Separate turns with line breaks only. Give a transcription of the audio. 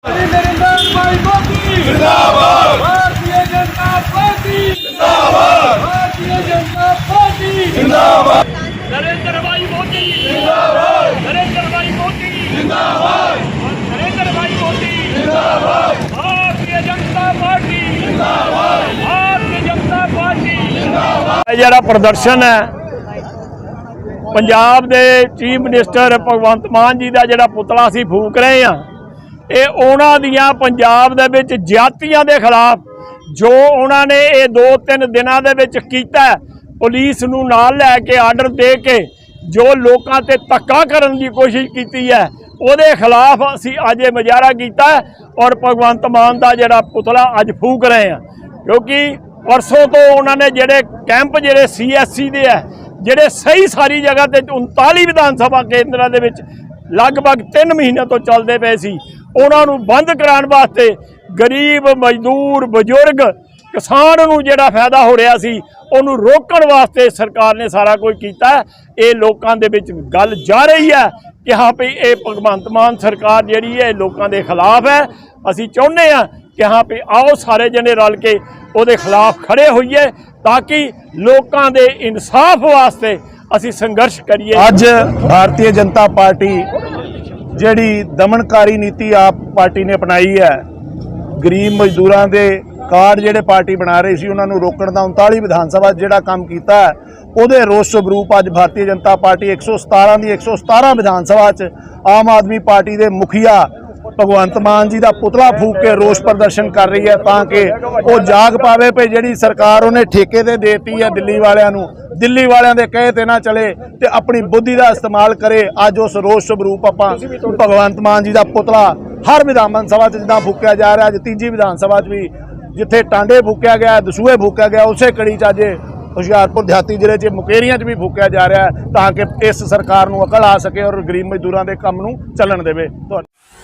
नरेंद्र भाई मोदी
जिंदाबाद।
भारतीय जनता पार्टी
जिंदाबाद।
भारतीय जनता पार्टी
जिंदाबाद।
नरेंद्र भाई मोदी
जिंदाबाद।
नरेंद्र भाई मोदी
जिंदाबाद।
नरेंद्र भाई मोदी
जिंदाबाद।
भारतीय जनता पार्टी
जिंदाबाद।
भारतीय जनता पार्टी
ਇਹ ਜਿਹੜਾ ਪ੍ਰਦਰਸ਼ਨ ਹੈ ਪੰਜਾਬ ਦੇ ਚੀਫ ਮਿਨਿਸਟਰ ਭਗਵੰਤ ਮਾਨ ਜੀ ਦਾ ਜਿਹੜਾ ਪੁਤਲਾ ਅਸੀਂ ਫੂਕ ਰਹੇ ਹਾਂ, ਇਹ ਉਹਨਾਂ ਦੀਆਂ ਪੰਜਾਬ ਦੇ ਵਿੱਚ ਜ਼ਿਆਦਤੀਆਂ ਦੇ ਖਿਲਾਫ ਜੋ ਉਹਨਾਂ ਨੇ ਇਹ 2-3 ਦਿਨਾਂ ਦੇ ਵਿੱਚ ਕੀਤਾ, ਪੁਲਿਸ ਨੂੰ ਨਾਲ ਲੈ ਕੇ ਆਰਡਰ ਦੇ ਕੇ ਜੋ ਲੋਕਾਂ ਤੇ ਧੱਕਾ ਕਰਨ ਦੀ ਕੋਸ਼ਿਸ਼ ਕੀਤੀ ਹੈ, ਉਹਦੇ ਖਿਲਾਫ ਅਸੀਂ ਅੱਜ ਇਹ ਮੁਜ਼ਾਹਰਾ ਕੀਤਾ ਔਰ ਭਗਵੰਤ ਮਾਨ ਦਾ ਜਿਹੜਾ ਪੁਤਲਾ ਅੱਜ ਫੂਕ ਰਹੇ ਹਾਂ। ਕਿਉਂਕਿ परसों तो उन्होंने जेडे कैंप जेडे CSC दे है जेडे सही सारी जगह ते 39 विधान सभा केंद्रों के लगभग 3 महीने तो चलते पे सी, उन्होंने बंद कराने वास्ते गरीब मजदूर बजुर्ग किसान नूं जेड़ा फायदा हो रहा सी उन्होंने रोकण वास्ते सरकार ने सारा कुछ किया। ये लोगों के विच गल जा रही है कि हाँ भाई ये भगवंत मान सरकार जिहड़ी है लोगों के खिलाफ है। असीं चाहुंदे हां कि हाँ भाई आओ सारे जने रल के ਉਹਦੇ ਖਿਲਾਫ ਖੜੇ ਹੋਈਏ ताकि लोगों के इंसाफ वास्ते असी संघर्ष करिए।
ਅੱਜ भारतीय जनता पार्टी ਜਿਹੜੀ ਦਮਨਕਾਰੀ ਨੀਤੀ ਆਪ ਪਾਰਟੀ ਨੇ ਅਪਣਾਈ ਹੈ, ਗਰੀਬ ਮਜ਼ਦੂਰਾਂ ਦੇ ਕਾਰਡ ਜਿਹੜੇ ਪਾਰਟੀ ਬਣਾ ਰਹੀ ਸੀ ਉਹਨਾਂ ਨੂੰ ਰੋਕਣ ਦਾ 39 ਵਿਧਾਨ ਸਭਾ ਜਿਹੜਾ ਕੰਮ ਕੀਤਾ ਹੈ, ਉਹਦੇ ਰੋਸ ਸਵਰੂਪ ਅੱਜ ਭਾਰਤੀ ਜਨਤਾ ਪਾਰਟੀ 117 ਦੀ 117 ਵਿਧਾਨ ਸਭਾ 'ਚ ਆਮ ਆਦਮੀ ਪਾਰਟੀ ਦੇ ਮੁਖੀਆ ਭਗਵੰਤ ਮਾਨ ਜੀ ਦਾ ਪੁਤਲਾ ਫੂਕ ਕੇ ਰੋਸ ਪ੍ਰਦਰਸ਼ਨ ਕਰ ਰਹੀ ਹੈ ਤਾਂ ਕਿ ਉਹ ਜਾਗ ਪਾਵੇ ਭਈ ਜਿਹੜੀ ਸਰਕਾਰ ਉਹਨੇ ਠੇਕੇ ਤੇ ਦੇਤੀ ਹੈ ਦਿੱਲੀ ਵਾਲਿਆਂ ਨੂੰ, ਦਿੱਲੀ ਵਾਲਿਆਂ ਦੇ ਕਹੇ ਤੇ ਨਾ ਚਲੇ ਤੇ ਆਪਣੀ ਬੁੱਧੀ ਦਾ ਇਸਤੇਮਾਲ ਕਰੇ। ਅੱਜ ਉਸ ਰੋਸ ਸਵਰੂਪ ਆਪਾਂ ਭਗਵੰਤ ਮਾਨ ਜੀ ਦਾ ਪੁਤਲਾ ਹਰ ਵਿਧਾਨ ਸਭਾ 'ਚ ਜਿੱਦਾਂ ਫੂਕਿਆ ਜਾ ਰਿਹਾ, ਅੱਜ ਤੀਜੀ ਵਿਧਾਨ ਸਭਾ 'ਚ ਵੀ ਜਿੱਥੇ ਟਾਂਡੇ ਫੂਕਿਆ ਗਿਆ, ਦਸੂਹੇ ਫੂਕਿਆ ਗਿਆ, ਉਸੇ ਕੜੀ 'ਚ ਅੱਜ ਹੁਸ਼ਿਆਰਪੁਰ ਦਿਹਾਤੀ ਜ਼ਿਲ੍ਹੇ 'ਚ ਮੁਕੇਰੀਆਂ 'ਚ ਵੀ ਫੂਕਿਆ ਜਾ ਰਿਹਾ ਤਾਂ ਕਿ ਇਸ ਸਰਕਾਰ ਨੂੰ ਅਕਲ ਆ ਸਕੇ ਔਰ ਗਰੀਬ ਮਜ਼ਦੂਰਾਂ ਦੇ ਕੰਮ ਨੂੰ ਚੱਲਣ ਦੇਵੇ।